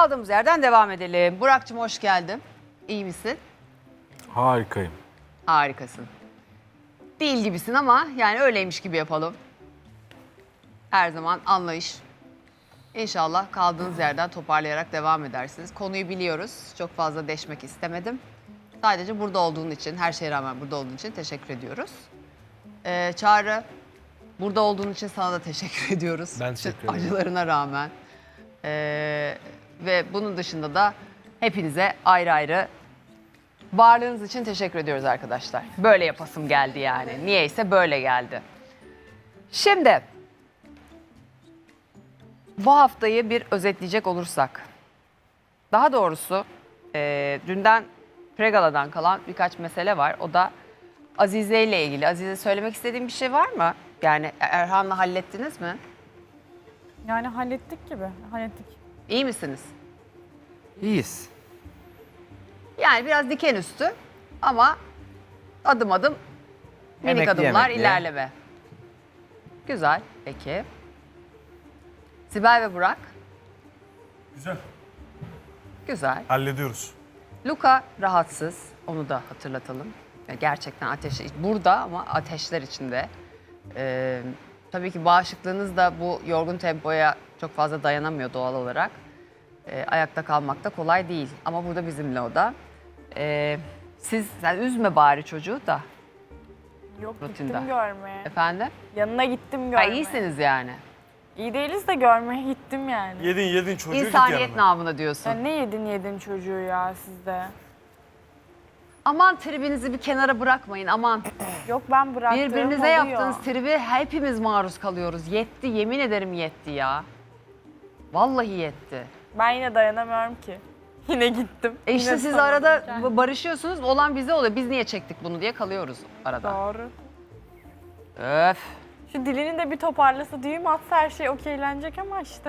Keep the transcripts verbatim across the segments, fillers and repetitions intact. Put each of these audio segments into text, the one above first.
Kaldığımız yerden devam edelim. Burak'cığım hoş geldin. İyi misin? Harikayım. Harikasın. Değil gibisin ama yani öyleymiş gibi yapalım. Her zaman anlayış. İnşallah kaldığınız yerden toparlayarak devam edersiniz. Konuyu biliyoruz. Çok fazla deşmek istemedim. Sadece burada olduğun için, her şeye rağmen burada olduğun için teşekkür ediyoruz. Ee, Çağrı, burada olduğun için sana da teşekkür ediyoruz. Ben teşekkür ederim. Acılarına rağmen. Ee, ve bunun dışında da hepinize ayrı ayrı varlığınız için teşekkür ediyoruz arkadaşlar. Böyle yapasım geldi yani. Niyeyse böyle geldi. Şimdi bu haftayı bir özetleyecek olursak. Daha doğrusu e, dünden Pregala'dan kalan birkaç mesele var. O da Azize ile ilgili. Azize söylemek istediğin bir şey var mı? Yani Erhan'la hallettiniz mi? Yani hallettik gibi, hallettik. İyi misiniz? İyiyiz. Yani biraz diken üstü ama adım adım minik Emekli adımlar emekli. ilerleme. Güzel, peki. Sibel ve Burak, Güzel. güzel. Hallediyoruz. Luka rahatsız, onu da hatırlatalım. Gerçekten ateş burada ama ateşler içinde. Ee, tabii ki bağışıklığınız da bu yorgun tempoya çok fazla dayanamıyor doğal olarak. Ee, ayakta kalmak da kolay değil ama burada bizimle o da. Ee, siz, sen üzme bari çocuğu da. Yok Rutinde. gittim görmeye. Efendim? Yanına gittim Ha, görmeye. iyisiniz yani. İyi değiliz de görmeye gittim yani. Yedin yedin çocuğu git İnsaniyet yanına. namına diyorsun. Sen ne yedin yedin çocuğu ya sizde? Aman tribinizi bir kenara bırakmayın aman. Yok ben bıraktığım Birbirinize oluyor. yaptığınız tribi hepimiz maruz kalıyoruz. Yetti, yemin ederim yetti ya. Vallahi yetti. Ben yine dayanamıyorum ki. Yine gittim. E işte Yine siz sonra arada kendim. barışıyorsunuz, olan bize oluyor. Biz niye çektik bunu diye kalıyoruz arada. Doğru. Öf. Şu dilini de bir toparlasa, düğüm atsa her şey okeylenecek ama işte.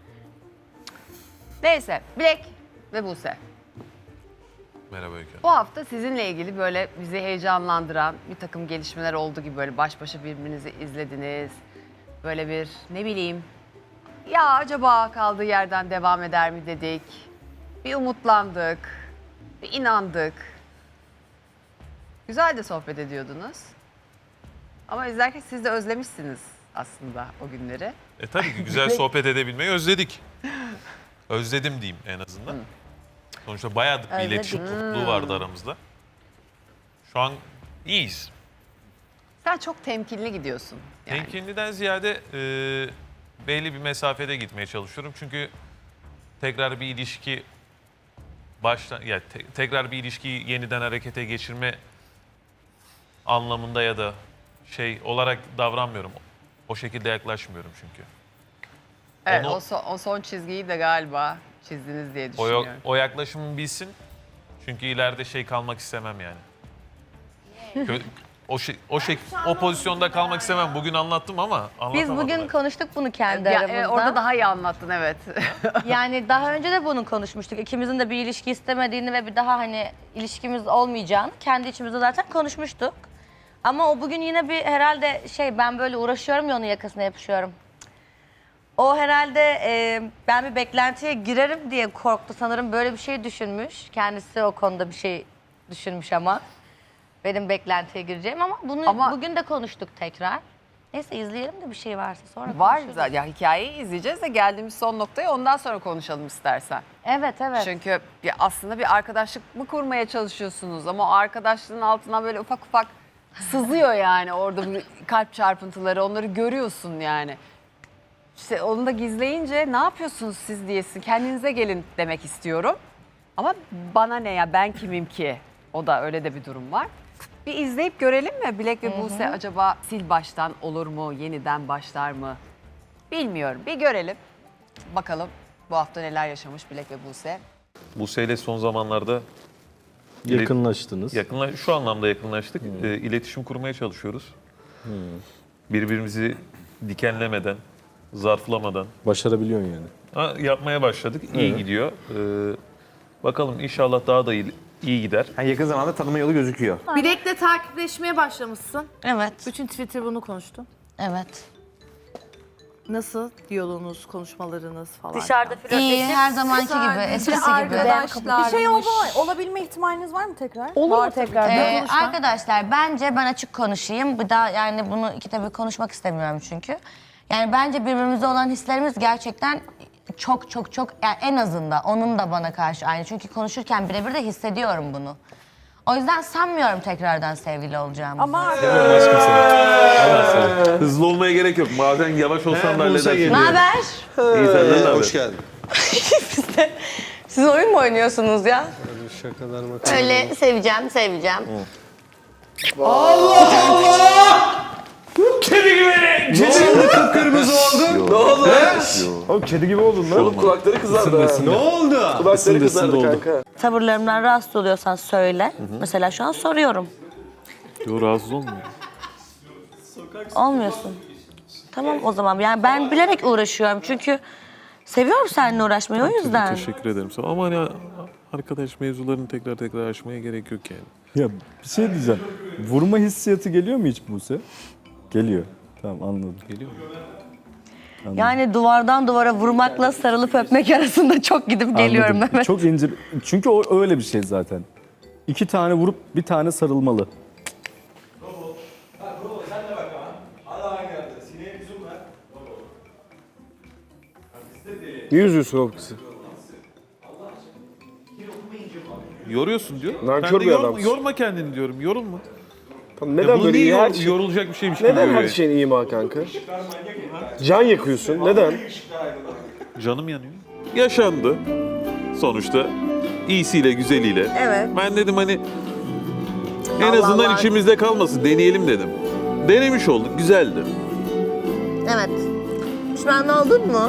Neyse, Bilek ve Buse. Merhaba Öykü. Bu hafta sizinle ilgili böyle bizi heyecanlandıran bir takım gelişmeler oldu gibi böyle baş başa birbirinizi izlediniz. Böyle bir ne bileyim, ya acaba kaldığı yerden devam eder mi dedik. Bir umutlandık, bir inandık. Güzel de sohbet ediyordunuz. Ama izlerken siz de özlemişsiniz aslında o günleri. E tabii ki güzel sohbet edebilmeyi özledik. Özledim diyeyim en azından. Sonuçta bayağıdır bir Özledim. iletişim kopukluğu vardı aramızda. Şu an iyiyiz. Sen çok temkinli gidiyorsun. Yani. Temkinliden ziyade e, belli bir mesafede gitmeye çalışıyorum. Çünkü tekrar bir ilişki başla ya te- tekrar bir ilişkiyi yeniden harekete geçirme anlamında ya da şey olarak davranmıyorum. O şekilde yaklaşmıyorum çünkü. Evet, Onu- o, son, o son çizgiyi de galiba çizdiniz diye O, düşünüyorum. o yaklaşımı bilsin. Çünkü ileride şey kalmak istemem yani. Kö- o şey, o şey, o pozisyonda kalmak istemem. Bugün anlattım ama Biz anlatamadım. bugün ben. konuştuk bunu kendi Ya, aramızda. e, orada daha iyi anlattın evet. Yani daha önce de bunu konuşmuştuk. İkimizin de bir ilişki istemediğini ve bir daha hani ilişkimiz olmayacağını kendi içimizde zaten konuşmuştuk. Ama o bugün yine bir herhalde şey, ben böyle uğraşıyorum ya onun yakasına yapışıyorum. O herhalde e, ben bir beklentiye girerim diye korktu sanırım, böyle bir şey düşünmüş. Kendisi o konuda bir şey düşünmüş ama benim beklentiye gireceğim, ama bunu Ama- bugün de konuştuk tekrar. Neyse izleyelim de bir şey varsa sonra Var konuşuruz. zaten. Ya hikayeyi izleyeceğiz de geldiğimiz son noktaya ondan sonra konuşalım istersen. Evet evet. Çünkü ya aslında bir arkadaşlık mı kurmaya çalışıyorsunuz ama o arkadaşlığın altına böyle ufak ufak sızıyor yani orada bir kalp çarpıntıları, onları görüyorsun yani. İşte onu da gizleyince ne yapıyorsunuz siz diyesin, kendinize gelin demek istiyorum. Ama bana ne ya, ben kimim ki? O da öyle de bir durum var. Bir izleyip görelim mi? Bilek ve Buse acaba sil baştan olur mu? Yeniden başlar mı? Bilmiyorum. Bir görelim. Bakalım bu hafta neler yaşamış Bilek ve Buse. Buse'yle son zamanlarda Yakınlaştınız. yakınla şu anlamda yakınlaştık. E, iletişim kurmaya çalışıyoruz. Birbirimizi dikenlemeden, zarflamadan Başarabiliyorsun yani. ha, yapmaya başladık. İyi Evet. gidiyor. E, bakalım inşallah daha da iyi, iyi gider. Yani yakın zamanda tanıma yolu gözüküyor. Bilek'le takipleşmeye başlamışsın. Evet. Bütün Twitter bunu konuştu. Evet. Nasıl diyaloğunuz, konuşmalarınız falan? Dışarıda flörtleşip İyi, her zamanki gibi, eskisi gibi. Bir şey olma, olabilme ihtimaliniz var mı tekrar? Olur var mu tekrar? Ee, arkadaşlar bence ben açık konuşayım. Bir daha yani bunu iki tabii konuşmak istemiyorum çünkü. Yani bence birbirimize olan hislerimiz gerçekten çok çok çok yani en azından onun da bana karşı aynı. Çünkü konuşurken birebir de hissediyorum bunu. O yüzden sanmıyorum tekrardan sevgili olacağımızı. Ama Hızlı olmaya gerek yok. Bazen yavaş olsan da halledersin. Ne haber? İyi senden ne haber? Hoş geldin. siz oyun mu oynuyorsunuz ya? Öyle seveceğim, seveceğim. Oğlum kedi gibi oldun lan. Oğlum kulakları kızardı ha. Ne oldu? Kulakları kızardı kanka. Tavırlarımdan rahatsız oluyorsan söyle. Mesela şu an soruyorum. Yo, rahatsız olmuyor. Olmuyorsun. Tamam o zaman. Yani ben bilerek uğraşıyorum çünkü seviyorum seninle uğraşmayı o yüzden. Teşekkür ederim. Ama hani arkadaş mevzularını tekrar tekrar açmaya gerek yok yani. Ya bir şey diyeceğim. Vurma hissiyatı geliyor mu hiç Buse? Geliyor. Tamam anladım. Geliyor mu? Yani duvardan duvara vurmakla sarılıp öpmek arasında çok gidip geliyorum Anladım. Mehmet. Çok ince. Çünkü o öyle bir şey zaten. İki tane vurup bir tane sarılmalı. Niye üzüyorsun oğlum kızı? Yoruyorsun diyor. Nankör Ben de bir yor- adamsın. yorma kendini diyorum. Yorulma. Tamam, Ya neden bunu böyle niye iyi her yor- şey... yorulacak bir şeymiş gibi Neden görüyor her yani? şeyin ima kanka? Can yakıyorsun. Neden? Canım yanıyor. Yaşandı. Sonuçta iyisiyle güzeliyle. Evet. Ben dedim hani en Allah azından Allah. içimizde kalmasın. Deneyelim dedim. Denemiş olduk. Güzeldi. Evet. Pişman oldun mu?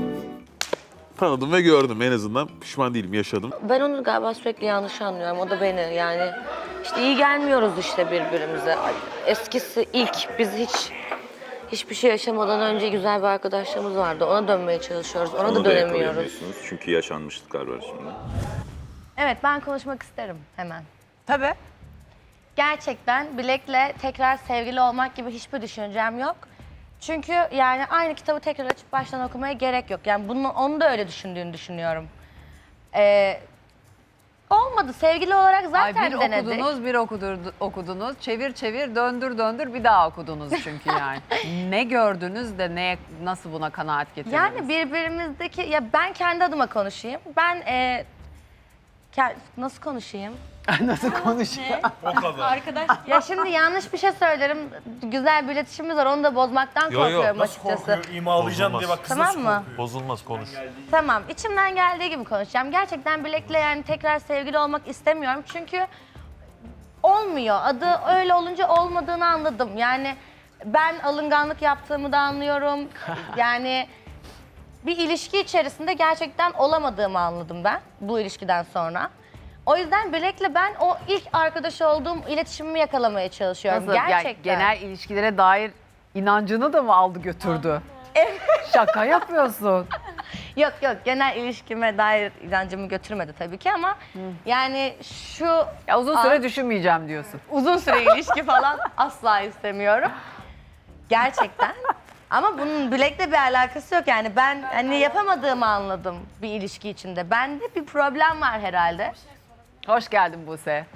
Tanıdım ve gördüm. En azından pişman değilim. Yaşadım. Ben onu galiba sürekli yanlış anlıyorum. O da beni yani. İşte iyi gelmiyoruz işte birbirimize. Ay, eskisi ilk biz hiç hiçbir şey yaşamadan önce güzel bir arkadaşlığımız vardı. Ona dönmeye çalışıyoruz. Ona da dönemiyoruz. Çünkü yaşanmışlıklar var şimdi. Evet, ben konuşmak isterim hemen. tabii. Gerçekten Bilek'le tekrar sevgili olmak gibi hiçbir düşüncem yok. Çünkü yani aynı kitabı tekrar açıp baştan okumaya gerek yok. Yani bunu, onu da öyle düşündüğünü düşünüyorum. Ee, olmadı. Sevgili olarak Ay zaten bir denedik. okudunuz, bir okudur, okudunuz. Çevir çevir, döndür döndür bir daha okudunuz çünkü yani. Ne gördünüz de ne nasıl buna kanaat getirdiniz? Yani birbirimizdeki, ya ben kendi adıma konuşayım. Ben e, ke- nasıl konuşayım? nasıl konuşuyor? Arkadaş Ya şimdi yanlış bir şey söylerim. Güzel bir iletişimimiz var. Onu da bozmaktan Yo, yo. korkuyorum Nasıl açıkçası. korkuyor? İmalayacaksın diye bak kız Tamam nasıl mı? korkuyor. Bozulmaz konuş. Tamam. İçimden geldiği gibi konuşacağım. Gerçekten Bilek'le yani tekrar sevgili olmak istemiyorum. Çünkü olmuyor. Adı öyle olunca olmadığını anladım. Yani ben alınganlık yaptığımı da anlıyorum. Yani bir ilişki içerisinde gerçekten olamadığımı anladım ben bu ilişkiden sonra. O yüzden Bilek'le ben o ilk arkadaş olduğum iletişimimi yakalamaya çalışıyorum. Nasıl? Yani Gerçekten. genel ilişkilere dair inancını da mı aldı götürdü? Şaka yapıyorsun. Yok yok, genel ilişkime dair inancımı götürmedi tabii ki ama yani şu Ya uzun süre Aa. düşünmeyeceğim diyorsun. uzun süre ilişki falan asla istemiyorum. Gerçekten. Ama bunun Bilek'le bir alakası yok yani ben hani yapamadığımı anladım bir ilişki içinde. Bende bir problem var herhalde. Hoş geldin Buse.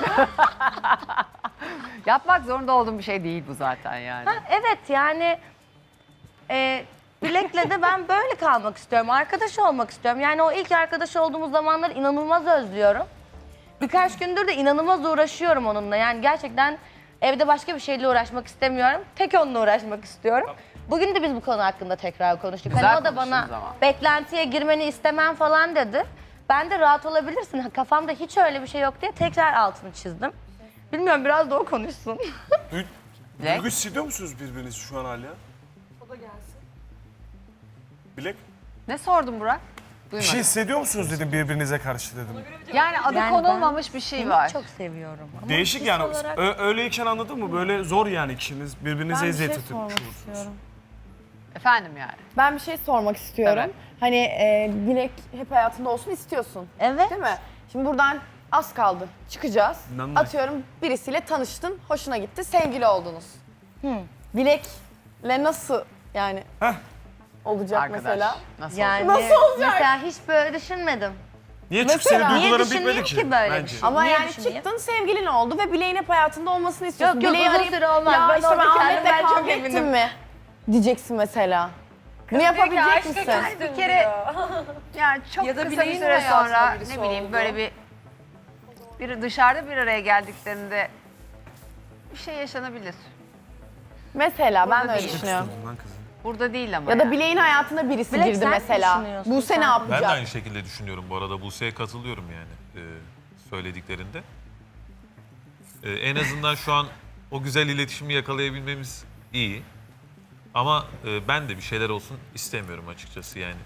Yapmak zorunda olduğum bir şey değil bu zaten yani. Ha, evet yani e, Bilek'le de ben böyle kalmak istiyorum. Arkadaş olmak istiyorum. Yani o ilk arkadaş olduğumuz zamanları inanılmaz özlüyorum. Birkaç gündür de inanılmaz uğraşıyorum onunla. Yani gerçekten evde başka bir şeyle uğraşmak istemiyorum. Tek onunla uğraşmak istiyorum. Bugün de biz bu konu hakkında tekrar konuştuk. Güzel Hani o da bana konuştunuz ama. beklentiye girmeni istemem falan dedi. Ben de rahat olabilirsin. Ha, kafamda hiç öyle bir şey yok diye tekrar altını çizdim. Bilmiyorum, biraz da o konuşsun. Bilek? Duygu hissediyor musunuz birbirinizi şu an hala? O da gelsin. Bilek, Ne sordun Burak? bir Duymadım. şey hissediyor musunuz dedim birbirinize karşı dedim. Yani adı Yani konulmamış bir şey Seni var. çok seviyorum. Ama Değişik his yani. olarak- Ö- öyleyken anladın mı? Böyle zor yani ikiniz. Birbirinize ben bir eziyet şey etmiş sormak olursunuz. istiyorum. Efendim yani. Ben bir şey sormak istiyorum. Evet. Hani e, Bilek hep hayatında olsun istiyorsun. Evet. Değil mi? Şimdi buradan az kaldı. Çıkacağız. İnanmayın. Atıyorum birisiyle tanıştın, hoşuna gitti, sevgili oldunuz. Bilek'le nasıl yani? Heh. olacak Arkadaş. mesela? Nasıl Yani olacak? Nasıl olacak? mesela hiç böyle düşünmedim. Niye? Çünkü senin Mesela- Niye duyguların bitmedi düşünmeyeyim ki. ki böyle bir Bence. şey? Ama Niye yani düşüneyim? çıktın sevgilin oldu ve Bilek'in hep hayatında olmasını istiyorsun. Yok yok Bilek'i uzun arayıp, süre olmaz. Ya ben işte ben orada Ahmet'le kendimden çok kavga ettim eminim. mi? Diyeceksin mesela. Bunu yapabilecek misin? Bir kere yani çok Ya da kısa bir bileğin süre hayatında sonra birisi ne bileyim oldu. böyle bir bir dışarıda bir araya geldiklerinde bir şey yaşanabilir. Mesela ben Burada de öyle değil. düşünüyorum. Lan kızım. Burada değil ama Ya da yani. Bilek'in hayatına birisi Bilek, girdi sen ne mesela. düşünüyorsun Buse sen? ne Ben de yapacak? aynı şekilde düşünüyorum bu arada. Buse'ye katılıyorum yani e, söylediklerinde. E, en azından şu an o güzel iletişimi yakalayabilmemiz iyi. Ama e, ben de bir şeyler olsun istemiyorum açıkçası yani.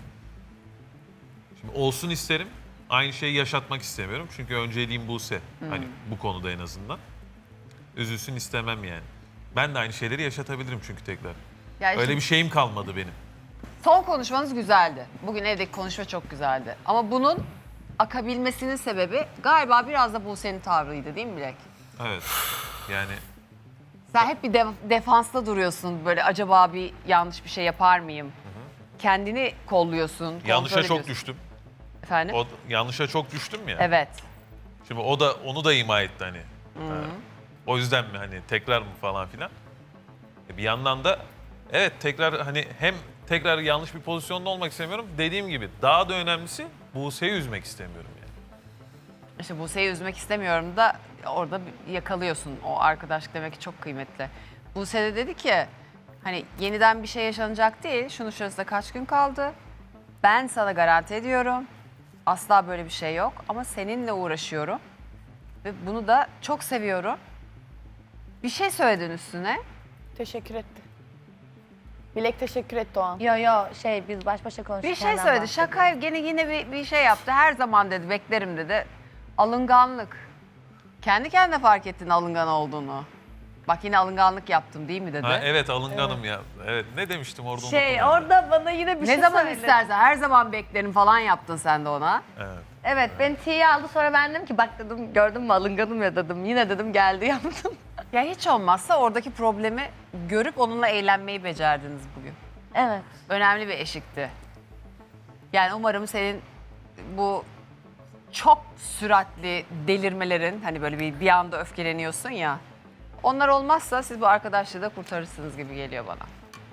Şimdi olsun isterim. Aynı şeyi yaşatmak istemiyorum. Çünkü önceliğim Buse. Hani bu konuda en azından. Üzülsün istemem yani. Ben de aynı şeyleri yaşatabilirim çünkü tekrar. Yani Öyle şimdi bir şeyim kalmadı benim. son konuşmanız güzeldi. Bugün evdeki konuşma çok güzeldi. Ama bunun akabilmesinin sebebi galiba biraz da Buse'nin tavrıydı değil mi Bilek? Evet. Yani Sen hep bir def- defansta duruyorsun. Böyle acaba bir yanlış bir şey yapar mıyım? Kendini kolluyorsun, kontrol yanlışa çok ediyorsun. düştüm. Efendim? O yanlışa çok düştüm ya. Evet. Şimdi o da onu da ima etti hani. Ha. O yüzden mi hani tekrar mı falan filan. E bir yandan da evet tekrar hani hem tekrar yanlış bir pozisyonda olmak istemiyorum. Dediğim gibi daha da önemlisi Buse'yi üzmek istemiyorum yani. İşte Buse'yi üzmek istemiyorum da orada bir yakalıyorsun. O arkadaşlık demek ki çok kıymetli. Buse de dedi ki hani yeniden bir şey yaşanacak değil. Şunu şurasında kaç gün kaldı. Ben sana garanti ediyorum. Asla böyle bir şey yok. Ama seninle uğraşıyorum. Ve bunu da çok seviyorum. Bir şey söyledin üstüne. Teşekkür etti. Bilek teşekkür etti o an. Yo yo şey biz baş başa konuştuk. Bir şey söyledi. Şaka gene yine bir, bir şey yaptı. Her zaman dedi beklerim dedi. Alınganlık. Kendi kendine fark ettin alıngan olduğunu. Bak yine alınganlık yaptım değil mi dedi. Ha, evet alınganım ya. Evet ne demiştim orada Şey unuttum ben de. orada bana yine bir Ne şey zaman söyledi. istersen her zaman beklerim falan yaptın sen de ona. Evet. Evet beni tiye aldı sonra ben dedim ki bak dedim gördün mü alınganım ya dedim. Yine dedim geldi yaptım. Ya hiç olmazsa oradaki problemi görüp onunla eğlenmeyi becerdiniz bugün. Evet. Önemli bir eşikti. Yani umarım senin bu çok süratli delirmelerin hani böyle bir, bir anda öfkeleniyorsun ya. Onlar olmazsa siz bu arkadaşlığı da kurtarırsınız gibi geliyor bana.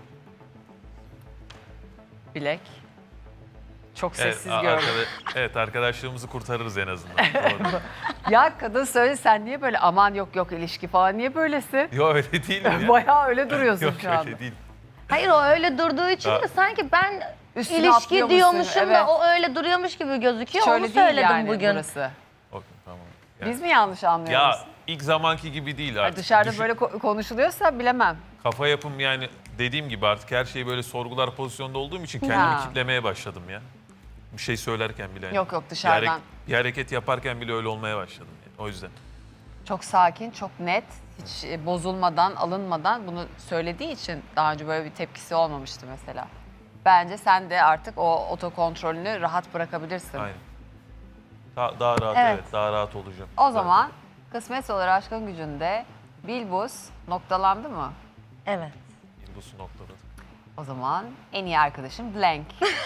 Bilek. Çok Evet, sessiz a- gördüm. arkada- evet arkadaşlığımızı kurtarırız en azından. Doğru. Ya kadın söyle sen niye böyle aman yok yok ilişki falan niye böylesin? Yok öyle değil mi ya? Bayağı öyle duruyorsun Yok şu anda. öyle değil. Hayır o öyle durduğu için Ha. de sanki ben Üstüne ilişki atlıyormuşsun, diyormuşum evet. da o öyle duruyormuş gibi gözüküyor. Şöyle Onu değil söyledim yani bugün. burası. Okey, tamam. Yani- Biz mi yanlış anlıyoruz? Ya ilk zamanki gibi değil Ay, artık. dışarıda Düşün- böyle ko- konuşuluyorsa bilemem. Kafa yapım yani dediğim gibi artık her şeyi böyle sorgular pozisyonda olduğum için kendimi Ha. kitlemeye başladım ya. Bir şey söylerken bile. Yok, yok, Bir, dışarıdan. hareket, bir hareket yaparken bile öyle olmaya başladım yani. O yüzden. Çok sakin, çok net, hiç e, bozulmadan, alınmadan bunu söylediği için daha önce böyle bir tepkisi olmamıştı mesela. Bence sen de artık o otokontrolünü rahat bırakabilirsin. Aynen. Daha, daha rahat Evet. evet. daha rahat olacağım. O zaman kısmet olur aşkın gücünde Bilbuz noktalandı mı? Evet. Yıldız'ı noktaladık. O zaman en iyi arkadaşım Blank.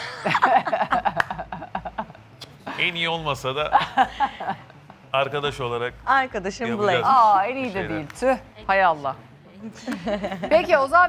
En iyi olmasa da arkadaş olarak Arkadaşım Yapacağız. Blake. Aa en iyi de şeyler. değil. Tüh. Hay Allah. Peki o zaman